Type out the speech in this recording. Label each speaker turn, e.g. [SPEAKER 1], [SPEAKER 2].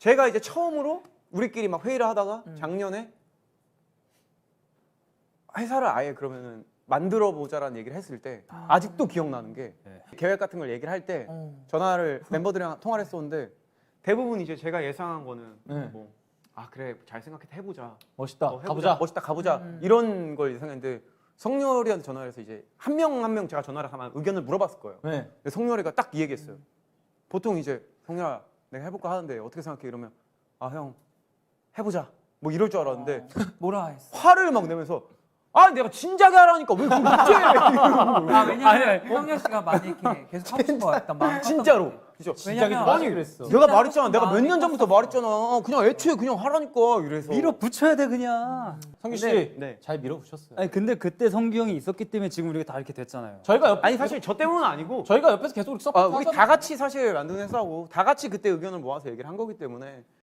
[SPEAKER 1] 제가 이제 처음으로 우리끼리 막 회의를 하다가 작년에 회사를 아예 그러면은 만들어 보자라는 얘기를 했을 때 아직도 기억나는 게 계획 같은 걸 얘기를 할 때 전화를 멤버들이랑 통화를 했었는데 대부분 이제 제가 예상한 거는 뭐 아 그래 잘 생각해서 해보자
[SPEAKER 2] 멋있다.
[SPEAKER 1] 해보자.
[SPEAKER 2] 가보자.
[SPEAKER 1] 멋있다 가보자 이런 걸 예상했는데 성렬이한테 전화를 해서 이제 한 명 한 명 제가 전화를 하면 의견을 물어봤을 거예요.
[SPEAKER 2] 네.
[SPEAKER 1] 근데 성렬이가 딱 이 얘기했어요. 보통 이제 성렬아 내가 해볼까 하는데 어떻게 생각해 이러면 아 형 해보자 뭐 이럴 줄 알았는데
[SPEAKER 3] 뭐라 했어?
[SPEAKER 1] 화를 막 내면서 아 내가 진작에 하라니까 왜 그걸 묻지?
[SPEAKER 3] 아 왜냐면 형렬 씨가 많이 이렇게 계속 하고 싶은 거 같단 마음.
[SPEAKER 1] 진짜로. 그죠?
[SPEAKER 3] 왜냐면
[SPEAKER 1] 아니
[SPEAKER 2] 그랬어.
[SPEAKER 1] 내가 말했잖아. 내가 몇
[SPEAKER 3] 마음이
[SPEAKER 1] 년 전부터
[SPEAKER 3] 컸어.
[SPEAKER 1] 말했잖아. 그냥 애초에 그냥 하라니까 이래서.
[SPEAKER 4] 밀어붙여야 돼 그냥.
[SPEAKER 2] 성규 씨,
[SPEAKER 1] 네, 네.
[SPEAKER 2] 잘 밀어붙였어요.
[SPEAKER 4] 아니 근데 그때 성규 형이 있었기 때문에 지금 우리가 다 이렇게 됐잖아요.
[SPEAKER 1] 아니 사실 저 때문은 아니고
[SPEAKER 2] 저희가 옆에서 계속
[SPEAKER 1] 우리 다 같이 사실 만든 회사고 다 같이 그때 의견을 모아서 얘기를 한 거기 때문에